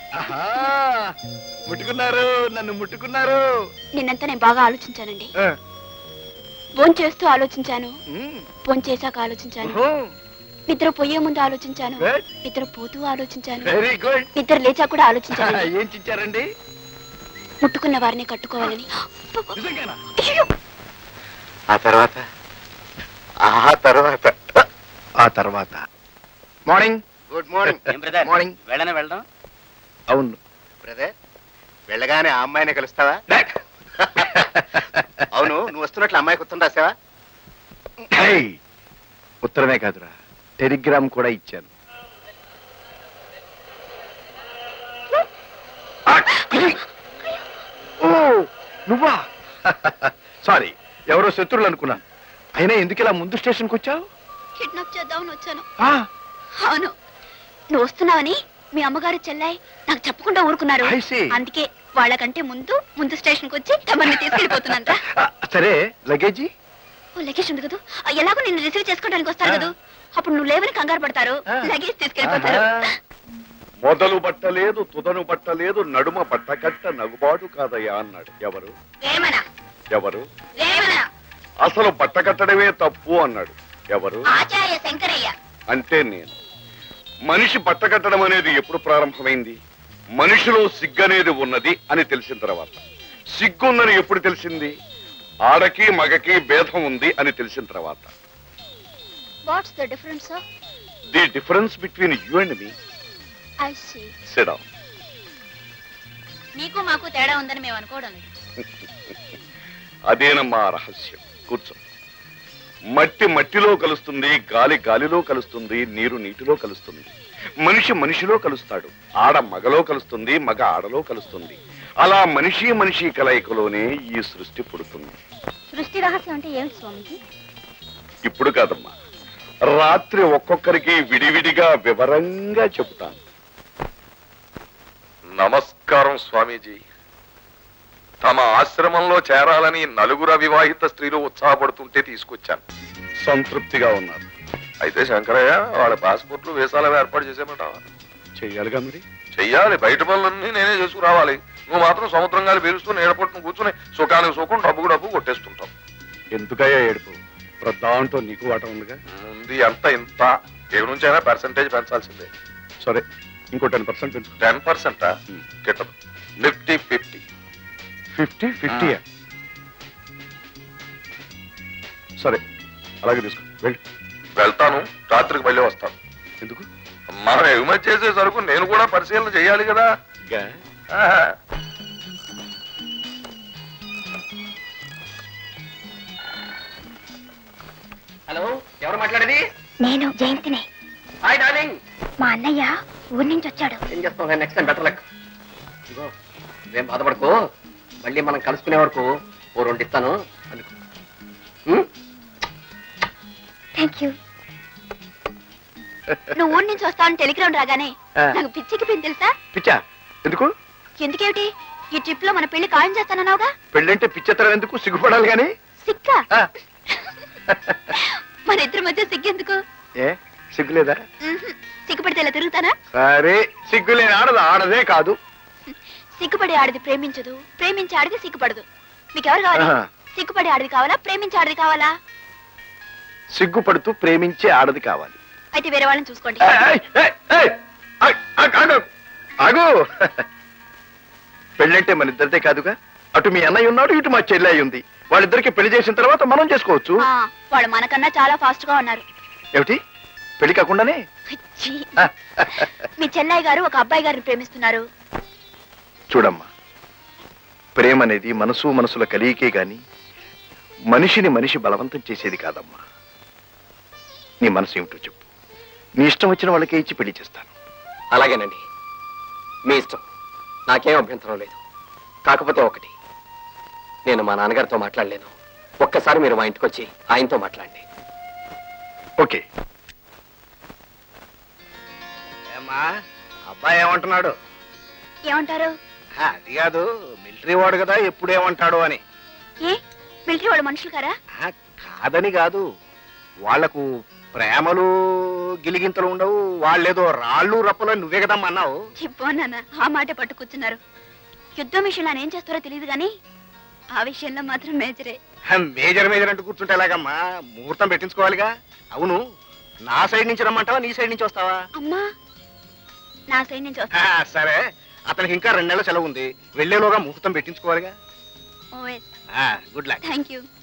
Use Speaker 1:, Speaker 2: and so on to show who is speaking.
Speaker 1: ముట్టుకున్నారు, నన్ను ముట్టుకున్నారు.
Speaker 2: నిన్నంతా నేను బాగా ఆలోచించానండి. ఫోన్ చేస్తూ ఆలోచించాను, ఫోన్ చేశాక ఆలోచించాను, నిద్ర పోయే ముందు ఆలోచించాను, నిద్ర పోతూ ఆలోచించాను,
Speaker 1: వెరీ గుడ్.
Speaker 2: నిద్ర లేచా కూడా ఆలోచించాను.
Speaker 1: ఏం చించారండి?
Speaker 2: ముట్టుకున్న వారిని కట్టుకోవాలని.
Speaker 1: ఆ తర్వాత మార్నింగ్. Good morning. మార్నింగ్.
Speaker 3: వెళ్దాం.
Speaker 1: అవును
Speaker 3: బ్రదర్, వెళ్ళగానే ఆ అమ్మాయిని కలుస్తావా? అవును, నువ్వు వస్తున్నట్లు అమ్మాయికి ఉత్తరం రాసావా?
Speaker 1: ఉత్తరమే కాదురా, టెలిగ్రామ్ కూడా ఇచ్చాను. ఓ నువ్వా? సారీ, ఎవరో శత్రువులు అనుకున్నాను. అయినా ఎందుకు ఇలా ముందు స్టేషన్కి వచ్చావు?
Speaker 2: కిడ్నాప్ చేద్దామని వచ్చాను. అవును, నువ్వు వస్తున్నావని మీ అమ్మగారు చెల్లాయి నాకు చెప్పకుండా ఊరుకున్నారు. అందుకే వాళ్ళకంటే ముందు స్టేషన్కి వచ్చి తమని తీసుకెళ్ళిపోతున్నాను.
Speaker 1: సరే, లగేజీ?
Speaker 2: లగేజ్ ఉంది కదా, ఎలాగో నిన్ను రిసీవ్ చేసుకోవడానికి వస్తారు కదా, అప్పుడు నువ్వు లేవని కంగారు పడతారు, లగేజ్ తీసుకెళ్ళిపోతారు.
Speaker 4: మొదలు బట్టలేదు, తుదను బట్టలేదు, నడుమ బట్టకట్ట నగుబాటు కాదయ్యా అన్నాడు. ఎవరు? ఎవరు? అసలు బట్ట కట్టడమే తప్పు అన్నాడు. ఎవరు?
Speaker 2: ఆచార్య శంకరయ్య.
Speaker 4: అంటే నేను. మనిషి బట్ట కట్టడం అనేది ఎప్పుడు ప్రారంభమైంది? మనిషిలో సిగ్గనేది ఉన్నది అని తెలిసిన తర్వాత. సిగ్గుందని ఎప్పుడు తెలిసింది? ఆడకి మగకి భేదం ఉంది అని తెలిసిన తర్వాత.
Speaker 2: What's the difference sir?
Speaker 4: The difference between you and me.
Speaker 2: I see.
Speaker 4: Sit down.
Speaker 2: నీకు మాకు తేడా ఉందని మేము అనుకోవడం లేదు.
Speaker 4: అదేనమ్మా రహస్యం. కూర్చో. మట్టి మట్టిలో కలుస్తుంది, గాలి గాలిలో కలుస్తుంది, నీరు నీటిలో కలుస్తుంది, మనిషి మనిషిలో కలుస్తాడు, ఆడ మగలో కలుస్తుంది, మగ ఆడలో కలుస్తుంది. అలా మనిషి కలయికలోనే ఈ సృష్టి పుడుతుంది.
Speaker 2: సృష్టి రహస్యం అంటే ఏమిటి స్వామిజీ?
Speaker 4: ఇప్పుడు కాదమ్మా, రాత్రి ఒక్కొక్కరికి విడివిడిగా వివరంగా చెబుతాను.
Speaker 5: నమస్కారం స్వామీజీ. తమ ఆశ్రమంలో చేరాలని నలుగురు అవివాహిత స్త్రీలు ఉత్సాహపడుతుంటే తీసుకొచ్చాను.
Speaker 4: సంతృప్తిగా ఉన్నారు.
Speaker 5: అయితే శంకరయ్య, వాళ్ళ పాస్పోర్ట్లు వీసాలు ఏర్పాటు చేసేమంటావా?
Speaker 4: చెయ్యాలిగా మరి.
Speaker 5: చెయ్యాలి. బయట పనులన్నీ నేనే చేసుకురావాలి. నువ్వు మాత్రం సముద్రం గాలి పీలుస్తూ నీడపట్టును కూర్చుని సుఖానికి సుఖం, డబ్బుకు డబ్బు కొట్టేస్తుంటావు.
Speaker 4: ఎందుకయ్యా ఏడుపు? దాంట్లో నీకు వాట ఉందిగా.
Speaker 5: ఉంది అంత ఇంత. ఏ నుంచైనా పర్సంటేజ్ పెంచాల్సిందే.
Speaker 4: సరే, ఇంకో 10% పెంచు.
Speaker 5: 10%? గిట్టదు. నిఫ్టీ 50.
Speaker 4: 50? సరే, అలాగే తీసుకో.
Speaker 5: వెళ్తాను. రాత్రికి మళ్ళీ వస్తాను.
Speaker 4: ఎందుకు?
Speaker 5: మనం ఎగుమతి చేసే సరుకు నేను కూడా పరిశీలన చేయాలి కదా.
Speaker 3: హలో, ఎవరు మాట్లాడేది?
Speaker 2: నేను జయంతిని.
Speaker 3: Hi darling.
Speaker 2: మా అన్నయ్య ఊరి నుంచి వచ్చాడు.
Speaker 3: ఏం చేస్తాం? Next time better luck. ఇదిగో, నువ్వేం బాధపడకు. మళ్ళీ మనం కలుసుకునే వరకు ఓ 2 ఇస్తాను. అందుకు.
Speaker 2: Thank you. నువ్వు ఊరి నుంచి వస్తావని టెలిగ్రామ్ రాగానే నాకు పిచ్చికిపోయింది తెలుసా?
Speaker 1: పిచ్చా? ఎందుకు?
Speaker 2: ఎందుకేమిటి, ఈ ట్రిప్ లో మన పెళ్లి ఖాయం చేస్తానన్నావుగా.
Speaker 1: పెళ్ళంటే పిచ్చెత్తరం ఎందుకు? సిగ్గుపడాలి గాని.
Speaker 2: సిగ్గా? మన ఇద్దరి మధ్య సిగ్గెందుకు?
Speaker 1: ఏ సిగ్గులేదా?
Speaker 2: సిగ్గుపడితే ఇలా తిరుగుతానా?
Speaker 1: సరే, సిగ్గులేని ఆడదు ఆడదే కాదు.
Speaker 2: సిగ్గుపడి ఆడది ప్రేమించదు, ప్రేమించి ఆడది సిగ్గుపడదు. మీకెవరు కావాలి? సిగ్గుపడి ఆడది కావాలా, ప్రేమించి ఆడది కావాలా?
Speaker 1: సిగ్గుపడుతూ ప్రేమించే ఆడది కావాలి.
Speaker 2: అయితే వేరే వాళ్ళని చూసుకోండి.
Speaker 1: ఆగు. పెళ్ళంటే మన ఇద్దరిదే కాదుగా. అటు మీ అన్నయ్య ఉన్నాడు, ఇటు మా చెల్లి ఉంది. వాళ్ళిద్దరికి పెళ్లి చేసిన తర్వాత మనం చేసుకోవచ్చు.
Speaker 2: వాళ్ళు మనకన్నా చాలా ఫాస్ట్ గా ఉన్నారు.
Speaker 1: ఏమిటి? పెళ్లి కాకుండానే?
Speaker 2: మీ చెల్లయ్య గారు ఒక అబ్బాయి గారిని ప్రేమిస్తున్నారు.
Speaker 1: చూడమ్మా, ప్రేమ అనేది మనసుల కలియికే గాని మనిషిని మనిషి బలవంతం చేసేది కాదమ్మా. నీ మనసు ఏమిటో చెప్పు. నీ ఇష్టం వచ్చిన వాళ్ళకే ఇచ్చి పెళ్లి చేస్తాను.
Speaker 3: అలాగేనండి, మీ ఇష్టం. నాకేం అభ్యంతరం లేదు. కాకపోతే ఒకటి, నేను మా నాన్నగారితో మాట్లాడలేను. ఒక్కసారి మీరు మా ఇంటికి వచ్చి ఆయనతో మాట్లాడండి.
Speaker 1: ఓకే.
Speaker 3: అబ్బాయి ఏమంటున్నాడు?
Speaker 2: ఏమంటారు?
Speaker 3: అది కాదు, మిలిటరీ వాడు కదా, ఎప్పుడు ఏమంటాడు అని.
Speaker 2: ఏ మిలిటరీ వాళ్ళు మనుషులు కారా?
Speaker 3: కాదని కాదు, వాళ్లకు
Speaker 1: ప్రేమలు గిలిగింతలు ఉండవు, వాళ్ళేదో రాళ్ళు రప్పలు అని నువ్వే కదమ్మా అన్నావు.
Speaker 2: చెప్పోనాన్న ఆ మాట పట్టు కూర్చున్నారు. యుద్ధం విషయంలో ఆయన ఏం చేస్తారో తెలియదు కానీ ఆ విషయంలో మాత్రం మేజరే.
Speaker 1: మేజర్ మేజర్ అంటూ కూర్చుంటే ఎలాగమ్మా? ముహూర్తం పెట్టించుకోవాలిగా. అవును, నా సైడ్ నుంచి రమ్మంటావా, నీ సైడ్ నుంచి వస్తావా?
Speaker 2: అమ్మా నా సైడ్ నుంచి వస్తా.
Speaker 1: సరే, అతనికి ఇంకా 2 నెలల సెలవు ఉంది, వెళ్లేలోగా ముహూర్తం పెట్టించుకోవాలిగా.
Speaker 2: ఓఎస్
Speaker 1: గుడ్ లక్.
Speaker 2: Thank you.